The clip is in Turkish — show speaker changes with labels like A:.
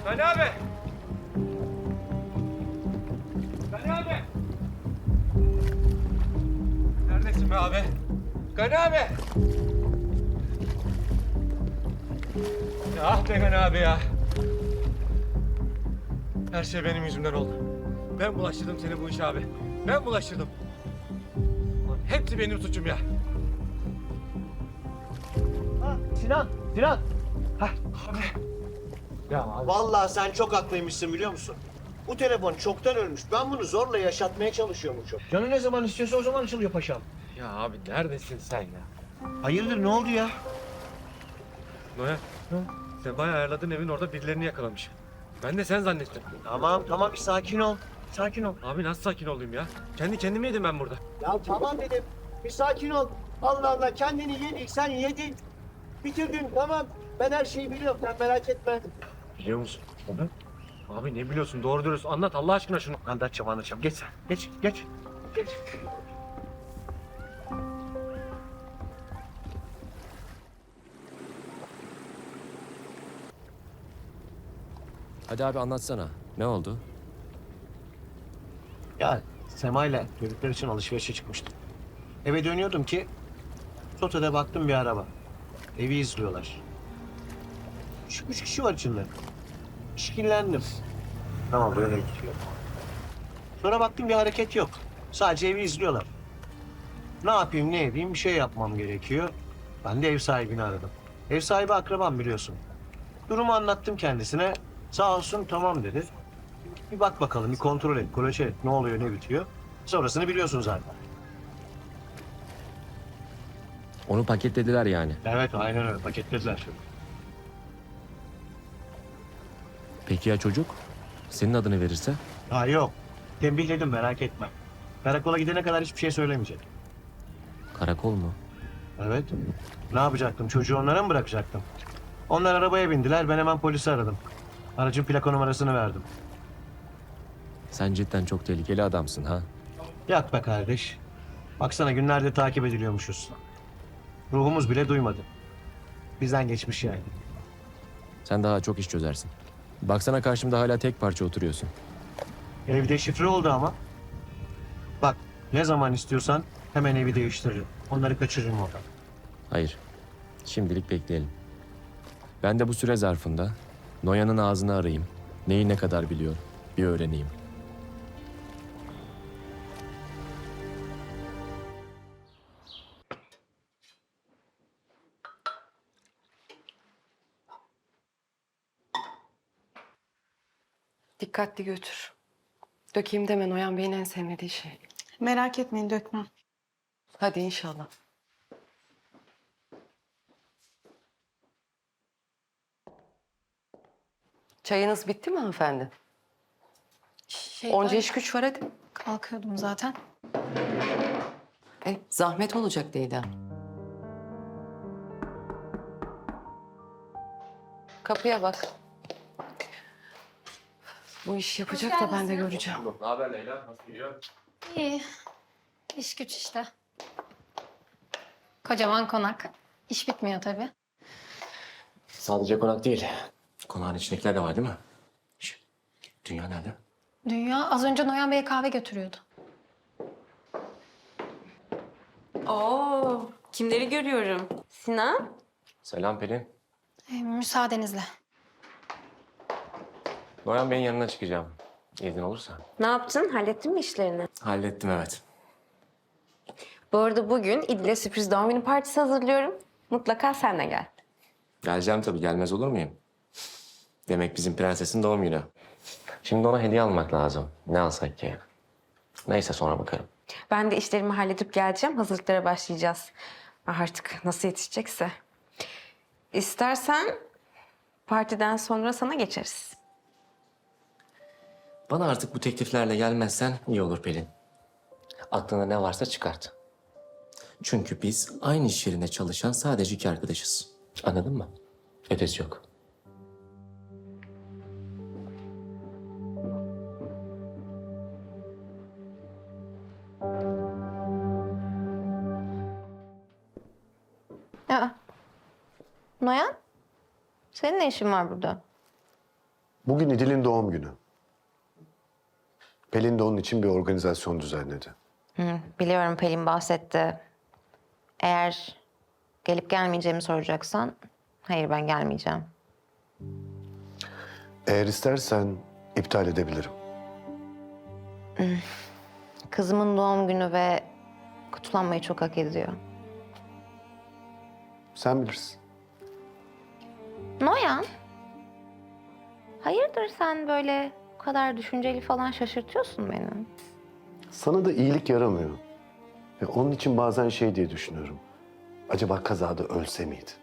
A: Gani abi! Gani abi! Neredesin be abi? Gani abi! Ya ah be Gani abi ya! Her şey benim yüzümden oldu. Ben bulaştırdım seni bu işe abi. Ben bulaştırdım. Ulan hepsi benim suçum ya.
B: Ha, Sinan, Sinan. Hah.
A: Abi. Ya abi.
B: Vallahi sen çok haklıymışsın biliyor musun? Bu telefon çoktan ölmüş. Ben bunu zorla yaşatmaya çalışıyormuşum. Canı ne zaman istiyorsa o zaman açılıyor paşam.
A: Ya abi neredesin sen ya?
B: Hayırdır ne oldu ya?
A: Noya. Sen bayağı ayarladın evin orada birilerini yakalamış. Ben de sen zannettim.
B: Tamam bir sakin ol. Sakin ol.
A: Abi nasıl sakin olayım ya? Kendi kendime yedim ben burada.
B: Ya tamam dedim. Bir sakin ol. Allah Allah kendini yedik sen yedin. Bitirdin tamam. Ben her şeyi biliyorum sen merak etme.
A: Biliyor musun? Abi ne biliyorsun? Doğru dürüst anlat Allah aşkına şunu.
B: Anlatacağım. Geç sen. Geç.
C: Hadi abi anlatsana. Ne oldu?
B: Ya Sema'yla çocuklar için alışverişe çıkmıştım. Eve dönüyordum ki sotede baktım bir araba. Evi izliyorlar. Üç kişi var içinde. İşkillendim. Tamam böyle gidiyor. Sonra baktım bir hareket yok. Sadece evi izliyorlar. Ne yapayım ne edeyim bir şey yapmam gerekiyor. Ben de ev sahibini aradım. Ev sahibi akrabam biliyorsun. Durumu anlattım kendisine. Sağ olsun tamam dedi. Bir bak bakalım bir kontrol et, kolaçe et. Ne oluyor ne bitiyor. Sonrasını biliyorsun zaten.
C: Onu paketlediler yani.
B: Evet aynen öyle paketlediler.
C: Peki ya çocuk? Senin adını verirse?
B: Ha yok. Tembihledim merak etme. Karakola gidene kadar hiçbir şey söylemeyecek.
C: Karakol mu?
B: Evet. Ne yapacaktım? Çocuğu onlara mı bırakacaktım? Onlar arabaya bindiler. Ben hemen polisi aradım. Aracın plaka numarasını verdim.
C: Sen cidden çok tehlikeli adamsın ha.
B: Yak be kardeş. Baksana günlerde takip ediliyormuşuz. Ruhumuz bile duymadı. Bizden geçmiş yani.
C: Sen daha çok iş çözersin. Baksana karşımda hala tek parça oturuyorsun.
B: Evde şifre oldu ama. Bak ne zaman istiyorsan hemen evi değiştiririm. Onları kaçırırım oradan.
C: Hayır. Şimdilik bekleyelim. Ben de bu süre zarfında Noyan'ın ağzını arayayım. Neyi ne kadar biliyor bir öğreneyim.
D: Dikkatli götür. Dökeyim deme Noyan Bey'in en sevmediği şey.
E: Merak etmeyin dökmem.
D: Hadi inşallah. Çayınız bitti mi hanımefendi? Onca
E: Ben
D: iş güç var hadi.
E: kalkıyordum zaten.
D: Zahmet olacak Leyla. Kapıya bak. Bu işi yapacak da ben de göreceğim.
A: Ne haber Leyla? Nasıl gidiyor?
F: İyi. İş güç işte. Kocaman konak. İş bitmiyor tabii.
C: Sadece konak değil. Konağın içindekiler de var değil mi? Dünya nerede?
F: Dünya az önce Noyan Bey'e kahve götürüyordu.
G: Oo, kimleri görüyorum? Sinan?
C: Selam Pelin.
F: Müsaadenizle.
C: Noyan Bey'in yanına çıkacağım. İzin olursa.
G: Ne yaptın? Hallettin mi işlerini?
C: Hallettim evet.
G: Bu arada bugün İdil'e sürpriz doğum günü partisi hazırlıyorum. Mutlaka sen de gel.
C: Geleceğim tabii, gelmez olur muyum? Demek bizim prensesin doğum günü. Şimdi ona hediye almak lazım. Ne alsak ki? Neyse sonra bakarım.
G: Ben de işlerimi halledip geleceğim. Hazırlıklara başlayacağız. Artık nasıl yetişecekse. İstersen partiden sonra sana geçeriz.
C: Bana artık bu tekliflerle gelmezsen iyi olur Pelin. Aklına ne varsa çıkart. Çünkü biz aynı iş yerinde çalışan sadece iki arkadaşız. Anladın mı? Ötesi yok.
G: Noyan, senin ne işin var burada?
H: Bugün İdil'in doğum günü. Pelin de onun için bir organizasyon düzenledi.
G: Biliyorum, Pelin bahsetti. Eğer gelip gelmeyeceğimi soracaksan, hayır ben gelmeyeceğim.
H: Eğer istersen iptal edebilirim.
G: Kızımın doğum günü ve kutlanmayı çok hak ediyor.
H: Sen bilirsin.
G: Noyan, hayırdır sen böyle bu kadar düşünceli falan, şaşırtıyorsun beni.
H: Sana da iyilik yaramıyor. Onun için bazen şey diye düşünüyorum. Acaba kazada ölse miydi?